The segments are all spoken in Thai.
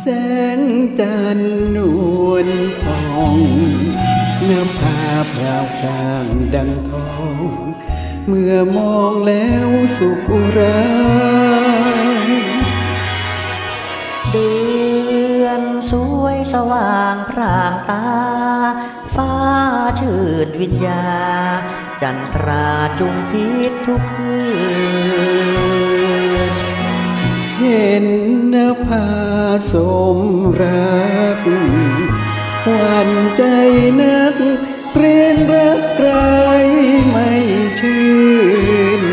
แสงจันทร์นวลทองเนื้อผ้าพราวพรางดังทองเมื่อมองแล้วสุขอุราเดือนสวยสว่างพร่างตาฟ้าชื่นวิญญาจันทราจุมพิษทุกคืนเห็นนภาสมรักหวั่นใจนักเรียนรักใครไม่ชื่น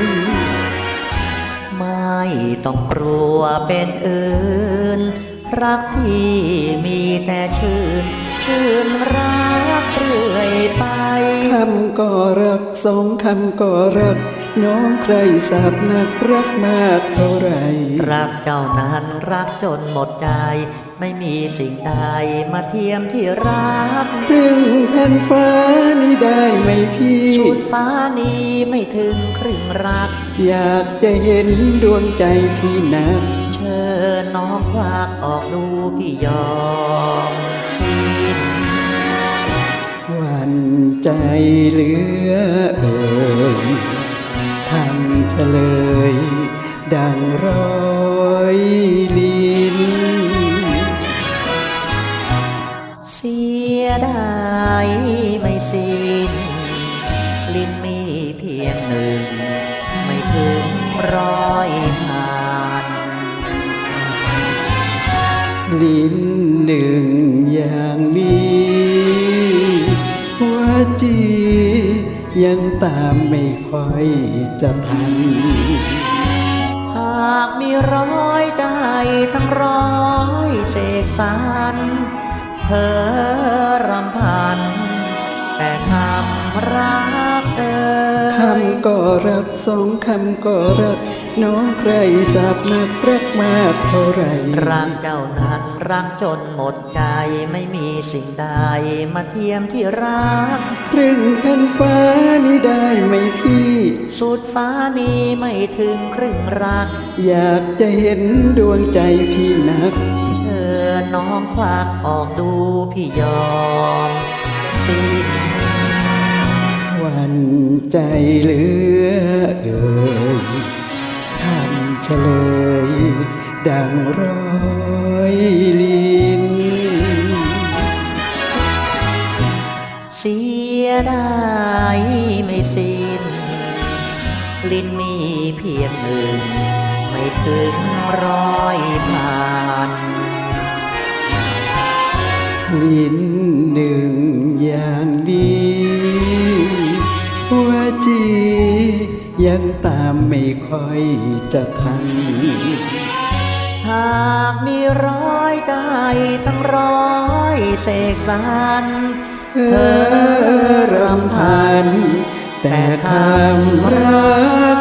ไม่ต้องกลัวเป็นอื่นรักพี่มีแต่ชื่นรักเรื่อยไปคำก็รักสองคำก็รักน้องใครสาบนักรักมากเท่าไรรักเจ้านั้นรักจนหมดใจไม่มีสิ่งใดมาเทียมที่รักครึ่งแผ่นฟ้านี้ได้ไหมพี่สุดฟ้านี้ไม่ถึงครึ่งรักอยากจะเห็นดวงใจพี่นักเชิญน้องควักออกดูพี่ยอมสิ้นหวั่นใจเหลือเอ่ยทำเฉลยดังร้อยลิ้นเสียดายไม่สิ้นลิ้นมีเพียงหนึ่งไม่ถึงร้อยผ่านลิ้นหนึ่งอย่างนี้หัวจียังตามไม่ค่อยจะทันหากมีร้อยใจทั้งร้อยเสกสรรเธอรำพันแต่คำรักเอ่ยคำก็รักสองคำก็รักน้องใครสาบนักรักมากเท่าไรรักเจ้านั้นรักจนหมดใจไม่มีสิ่งใดมาเทียมที่รักครึ่งแผ่นฟ้านี้ได้ไหมพี่สุดฟ้านี้ไม่ถึงครึ่งรักอยากจะเห็นดวงใจพี่นักเชิญน้องควักออกดูพี่ยอมสิ้นหวั่นใจเหลือเอ่ยทำเฉลยดังร้อยลิ้นเสียดายไม่สิ้นลิ้นมีเพียงหนึ่งไม่ถึงร้อยผ่านลิ้นหนึ่งอย่างดีหัวจียังตามไม่ค่อยจะทันหากมีร้อยใจทั้งร้อยเสกสรรรำพันแต่คำรัก